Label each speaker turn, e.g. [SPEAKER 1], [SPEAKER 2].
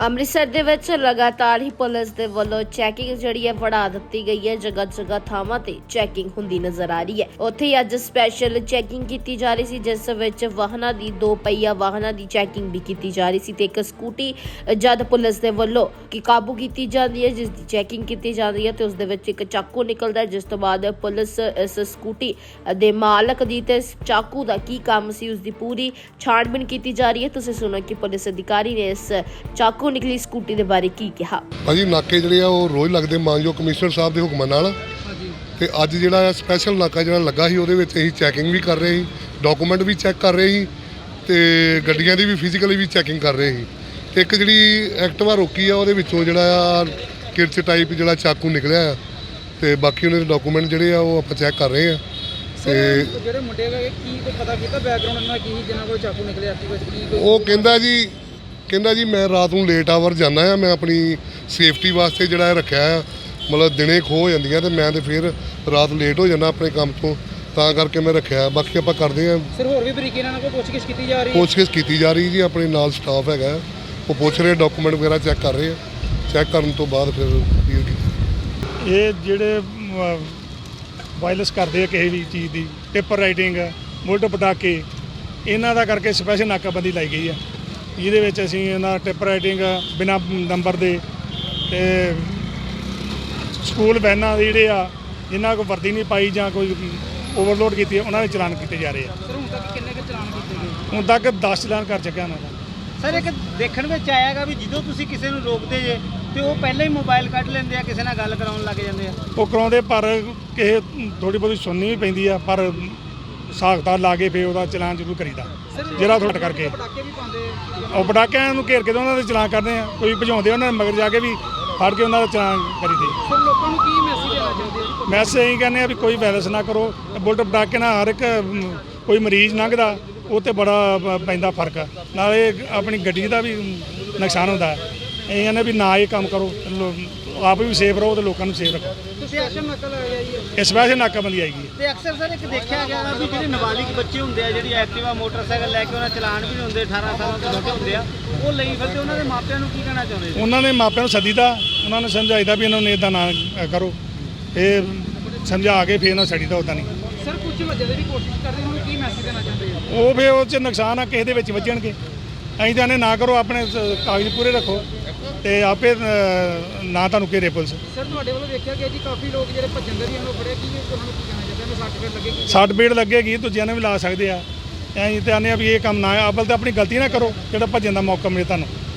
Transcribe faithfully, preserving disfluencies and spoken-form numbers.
[SPEAKER 1] ਅੰਮ੍ਰਿਤਸਰ ਦੇ ਵਿੱਚ ਲਗਾਤਾਰ ਹੀ ਪੁਲਿਸ ਦੇ ਵੱਲੋਂ ਚੈਕਿੰਗ ਜਿਹੜੀ ਹੈ ਵਧਾ ਦਿੱਤੀ ਗਈ ਹੈ। ਜਗ੍ਹਾ ਜਗ੍ਹਾ ਥਾਵਾਂ ਤੇ ਚੈਕਿੰਗ ਹੁੰਦੀ ਨਜ਼ਰ ਆ ਰਹੀ ਹੈ। ਉੱਥੇ ਹੀ ਅੱਜ ਸਪੈਸ਼ਲ ਚੈਕਿੰਗ ਕੀਤੀ ਜਾ ਰਹੀ ਸੀ, ਜਿਸ ਵਿੱਚ ਵਾਹਨਾਂ ਦੀ ਦੋ ਪਹੀਆ ਵਾਹਨਾਂ ਦੀ ਚੈਕਿੰਗ ਵੀ ਕੀਤੀ ਜਾ ਰਹੀ ਸੀ ਤੇ ਇੱਕ ਸਕੂਟੀ ਜਦ ਪੁਲਿਸ ਦੇ ਵੱਲੋਂ ਕਿ ਕਾਬੂ ਕੀਤੀ ਜਾਂਦੀ ਹੈ, ਜਿਸ ਦੀ ਚੈਕਿੰਗ ਕੀਤੀ ਜਾਂਦੀ ਹੈ ਤੇ ਉਸ ਦੇ ਵਿੱਚ ਇੱਕ ਚਾਕੂ ਨਿਕਲਦਾ ਹੈ, ਜਿਸ ਤੋਂ ਬਾਅਦ ਪੁਲਿਸ ਇਸ ਸਕੂਟੀ ਦੇ ਮਾਲਕ ਦੀ ਤੇ ਚਾਕੂ ਦਾ ਕੀ ਕੰਮ ਸੀ ਉਸ ਦੀ ਪੂਰੀ ਛਾਣਬੀਣ ਕੀਤੀ ਜਾ ਰਹੀ ਹੈ। ਤੁਸੀਂ ਸੁਣੋ ਕਿ ਪੁਲਿਸ ਅਧਿਕਾਰੀ ਨੇ ਇਸ ਚਾਕੂ ਨਿਕਲੀ ਸਕੂਟੀ ਦੇ ਬਾਰੇ ਕੀ ਕਿਹਾ।
[SPEAKER 2] ਭਾਜੀ ਨਾਕੇ ਜਿਹੜੇ ਆ ਉਹ ਰੋਜ਼ ਲੱਗਦੇ ਮਾਨਯੋਗ ਕਮਿਸ਼ਨਰ ਸਾਹਿਬ ਦੇ ਹੁਕਮਾਂ ਨਾਲ, ਤੇ ਅੱਜ ਜਿਹੜਾ ਸਪੈਸ਼ਲ ਨਾਕਾ ਜਿਹੜਾ ਲੱਗਾ ਸੀ ਉਹਦੇ ਵਿੱਚ ਅਸੀਂ ਚੈਕਿੰਗ ਵੀ ਕਰ ਰਹੇ ਸੀ, ਡਾਕੂਮੈਂਟ ਵੀ ਚੈੱਕ ਕਰ ਰਹੇ ਸੀ ਤੇ ਗੱਡੀਆਂ ਦੀ ਵੀ ਫਿਜ਼ੀਕਲੀ ਵੀ ਚੈਕਿੰਗ ਕਰ ਰਹੇ ਸੀ। ਤੇ ਇੱਕ ਜਿਹੜੀ ਐਕਟਿਵਾ ਰੋਕੀ ਆ ਉਹਦੇ ਵਿੱਚੋਂ ਜਿਹੜਾ ਆ ਕਿਰਚ ਟਾਈਪ ਜਿਹੜਾ ਚਾਕੂ ਨਿਕਲਿਆ ਆ ਤੇ ਬਾਕੀ ਉਹਨਾਂ ਦੇ ਡਾਕੂਮੈਂਟ ਜਿਹੜੇ ਆ ਉਹ ਆਪਾਂ ਚੈੱਕ ਕਰ ਰਹੇ ਆ।
[SPEAKER 3] ਤੇ ਜਿਹੜੇ ਮੁੰਡੇ ਹੈਗੇ ਕੀ ਕੋਈ ਪਤਾ ਕੀਤਾ ਬੈਕਗ੍ਰਾਉਂਡ ਇਹਨਾਂ ਕੀ ਜਿਨ੍ਹਾਂ ਕੋਲ ਚਾਕੂ ਨਿਕਲਿਆ ਐਕਟਿਵਾ 'ਚ ਕੀ ਕੋਈ
[SPEAKER 2] ਉਹ ਕਹਿੰਦਾ ਜੀ ਕਹਿੰਦਾ ਜੀ ਮੈਂ ਰਾਤ ਨੂੰ ਲੇਟ ਆਵਰ ਜਾਂਦਾ ਆ, ਮੈਂ ਆਪਣੀ ਸੇਫਟੀ ਵਾਸਤੇ ਜਿਹੜਾ ਇਹ ਰੱਖਿਆ ਆ, ਮਤਲਬ ਦਿਨੇ ਖੋਹ ਹੋ ਜਾਂਦੀਆਂ ਤੇ ਮੈਂ ਤੇ ਫਿਰ ਰਾਤ ਲੇਟ ਹੋ ਜਾਂਦਾ ਆਪਣੇ ਕੰਮ ਤੋਂ, ਤਾਂ ਕਰਕੇ ਮੈਂ ਰੱਖਿਆ। ਬਾਕੀ ਆਪਾਂ ਕਰਦੇ ਆ
[SPEAKER 3] ਸਰ ਹੋਰ ਵੀ ਬਰੀਕੀ ਨਾਲ ਕੋਈ ਪੁੱਛਗਿੱਛ ਕੀਤੀ ਜਾ ਰਹੀ ਹੈ
[SPEAKER 2] ਪੁੱਛਗਿੱਛ ਕੀਤੀ ਜਾ ਰਹੀ ਜੀ, ਆਪਣੇ ਨਾਲ ਸਟਾਫ ਹੈਗਾ ਉਹ ਪੁੱਛ ਰਹੇ, ਡਾਕੂਮੈਂਟ ਵਗੈਰਾ ਚੈੱਕ ਕਰ ਰਹੇ ਆ, ਚੈੱਕ ਕਰਨ ਤੋਂ ਬਾਅਦ ਫਿਰ ਕਲੀਅਰ ਕੀਤਾ।
[SPEAKER 4] ਇਹ ਜਿਹੜੇ ਵਾਇਲੈਂਸ ਕਰਦੇ ਆ ਕਿਸੇ ਵੀ ਚੀਜ਼ ਦੀ, ਪੇਪਰ ਰਾਈਟਿੰਗ, ਬੁਲਟ ਪਟਾਕੇ, ਇਹਨਾਂ ਦਾ ਕਰਕੇ ਸਪੈਸ਼ਲ ਨਾਕਾਬੰਦੀ ਲਾਈ ਗਈ ਆ, ਜਿਹਦੇ ਵਿੱਚ ਅਸੀਂ ਇਹਨਾਂ ਟਿੱਪ ਰਾਈਟਿੰਗ ਬਿਨਾਂ ਨੰਬਰ ਦੇ ਤੇ ਸਕੂਲ ਵੈਨਾਂ ਦੇ ਜਿਹੜੇ ਆ ਜਿਨ੍ਹਾਂ ਕੋਲ ਵਰਦੀ ਨਹੀਂ ਪਾਈ ਜਾਂ ਕੋਈ ਓਵਰਲੋਡ ਕੀਤੀ ਉਹਨਾਂ ਦੇ ਚਲਾਨ ਕੀਤੇ ਜਾ ਰਹੇ ਆ।
[SPEAKER 3] ਸਰ ਹੁਣ ਤੱਕ ਕਿੰਨੇ ਕੁ ਚਲਾਨ ਕੀਤੇ ਗਏ?
[SPEAKER 4] ਹੁਣ ਤੱਕ ਦਸ ਚਲਾਨ ਕਰ ਚੁੱਕਿਆ ਉਹਨਾਂ ਦਾ।
[SPEAKER 5] ਸਰ ਇੱਕ ਦੇਖਣ ਵਿੱਚ ਆਇਆਗਾ ਵੀ ਜਦੋਂ ਤੁਸੀਂ ਕਿਸੇ ਨੂੰ ਰੋਕਦੇ ਜੇ ਤੇ ਉਹ ਪਹਿਲਾਂ ਹੀ ਮੋਬਾਈਲ ਕੱਢ ਲੈਂਦੇ ਆ, ਕਿਸੇ ਨਾਲ ਗੱਲ ਕਰਾਉਣ ਲੱਗ ਜਾਂਦੇ ਆ।
[SPEAKER 4] ਉਹ ਕਰਾਉਂਦੇ ਪਰ ਕਿਸੇ ਥੋੜੀ ਬਹੁਤੀ ਸੁਣਨੀ ਵੀ ਪੈਂਦੀ ਆ, ਪਰ ਸਾਖਤਾ ਲਾ ਕੇ ਫਿਰ ਉਹਦਾ ਚਲਾਨ ਜ਼ਰੂਰ ਕਰੀਦਾ ਜਿਹੜਾ ਥੋੜਾ ਕਰਕੇ।
[SPEAKER 3] ਪਟਾਕੇ ਵੀ ਪਾਉਂਦੇ
[SPEAKER 4] ਉਹ ਪਟਾਕਿਆਂ ਨੂੰ ਘੇਰ ਕੇ ਤਾਂ ਉਹਨਾਂ ਦੇ ਚਲਾਨ ਕਰਦੇ ਆ, ਕੋਈ ਭਜਾਉਂਦੇ ਉਹਨਾਂ ਨੇ ਮਗਰ ਜਾ ਕੇ ਵੀ ਫੜ ਕੇ ਉਹਨਾਂ ਦਾ ਚਲਾਨ ਕਰੀਦੇ।
[SPEAKER 3] ਸਰ ਲੋਕਾਂ ਨੂੰ ਕੀ ਮੈਸੇਜ ਦੇਣਾ ਚਾਹੁੰਦੇ ਆ?
[SPEAKER 4] ਮੈਸੇਜ ਇਹੀ ਕਹਿੰਦੇ ਆ ਵੀ ਕੋਈ ਵਾਇਲੈਂਸ ਨਾ ਕਰੋ। ਬੁਲਟ ਪਟਾਕੇ ਨਾਲ ਹਰ ਇੱਕ ਕੋਈ ਮਰੀਜ਼ ਲੰਘਦਾ ਉਹ 'ਤੇ ਬੜਾ ਪੈਂਦਾ ਫਰਕ, ਨਾਲੇ ਆਪਣੀ ਗੱਡੀ ਦਾ ਵੀ ਨੁਕਸਾਨ ਹੁੰਦਾ। ਇਹ ਕਹਿੰਦੇ ਵੀ ਨਾ ਇਹ ਕੰਮ ਕਰੋ, ਆਪ ਵੀ ਸੇਫ ਰਹੋ ਤੇ ਲੋਕਾਂ ਨੂੰ ਸੇਫ ਰੱਖੋ।
[SPEAKER 3] ਤੁਸੀਂ ਐਕਸ਼ਨ ਨਕਲ ਆਇਆ ਜੀ
[SPEAKER 4] ਇਸ ਵੈਸੇ ਨਾਕਾਬੰਦੀ ਆਏਗੀ।
[SPEAKER 5] ਤੇ ਅਕਸਰ ਸਰ ਇੱਕ ਦੇਖਿਆ ਗਿਆ ਵੀ ਜਿਹੜੇ ਨਾਬਾਲਿਗ ਬੱਚੇ ਹੁੰਦੇ ਆ, ਜਿਹੜੀ ਐਕਟਿਵਾ ਮੋਟਰਸਾਈਕਲ ਲੈ ਕੇ ਉਹਨਾਂ ਚਲਾਨ ਵੀ ਨਹੀਂ ਹੁੰਦੇ, ਅਠਾਰਾਂ ਸਾਲਾਂ ਤੋਂ ਛੋਟੇ ਹੁੰਦੇ ਆ, ਉਹ ਲਈ ਫਿਰਦੇ, ਉਹਨਾਂ ਦੇ ਮਾਪਿਆਂ ਨੂੰ ਕੀ ਕਹਿਣਾ ਚਾਹੁੰਦੇ ਜੀ?
[SPEAKER 4] ਉਹਨਾਂ ਨੇ ਮਾਪਿਆਂ ਨੂੰ ਸੱਦੀਦਾ, ਉਹਨਾਂ ਨੂੰ ਸਮਝਾਈਦਾ ਵੀ ਇਹਨਾਂ ਨੂੰ ਇੱਦਾਂ ਨਾ ਕਰੋ, ਇਹ ਸਮਝਾ ਕੇ ਫਿਰ ਇਹਨਾਂ ਸੱਦੀਦਾ, ਉੱਦਾਂ ਨਹੀਂ।
[SPEAKER 3] ਸਰ ਕੁਝ ਵਜ੍ਹਾ ਦੀ ਕੋਸ਼ਿਸ਼ ਕਰਦੇ ਹੁਣ ਕੀ ਮੈਸੇਜ ਦੇਣਾ ਚਾਹੁੰਦੇ ਆ?
[SPEAKER 4] ਉਹ ਫਿਰ ਉਹ 'ਚ ਨੁਕਸਾਨ ਆ, ਕਿਸੇ ਦੇ ਵਿੱਚ ਵੱਜਣਗੇ। ਅਸੀਂ ਤਾਂ ਨਾ ਕਰੋ, ਆਪਣੇ ਕਾਗਜ਼ ਪੂਰੇ ਰੱਖੋ ਤੇ ਆਪੇ ਨਾ ਤੁਹਾਨੂੰ ਘੇਰੇ ਪੁਲਿਸ।
[SPEAKER 3] ਸਰ ਤੁਹਾਡੇ ਵੱਲੋਂ ਵੇਖਿਆ ਗਿਆ ਜੀ ਕਾਫੀ ਲੋਕ ਜਿਹੜੇ ਭੱਜਣ ਦੇ ਵੀ ਉਹਨੂੰ ਫੜਿਆ, ਕੀ ਉਹਨਾਂ ਨੂੰ ਕੀ ਕਹਿਣਾ ਚਾਹੁੰਦੇ ਆ? ਸੱਟ ਫੇਰ ਲੱਗੇਗੀ,
[SPEAKER 4] ਸੱਟ ਪੀੜ ਲੱਗੇਗੀ, ਦੂਜਿਆਂ ਨੂੰ ਵੀ ਲਾ ਸਕਦੇ ਆ। ਅਸੀਂ ਤਾਂ ਆਨੇ ਆ ਵੀ ਇਹ ਕੰਮ ਨਾ, ਅਵਲ ਤਾਂ ਆਪਣੀ ਗਲਤੀ ਨਾ ਕਰੋ ਜਿਹੜਾ ਭੱਜਣ ਦਾ ਮੌਕਾ ਮਿਲੇ ਤੁਹਾਨੂੰ।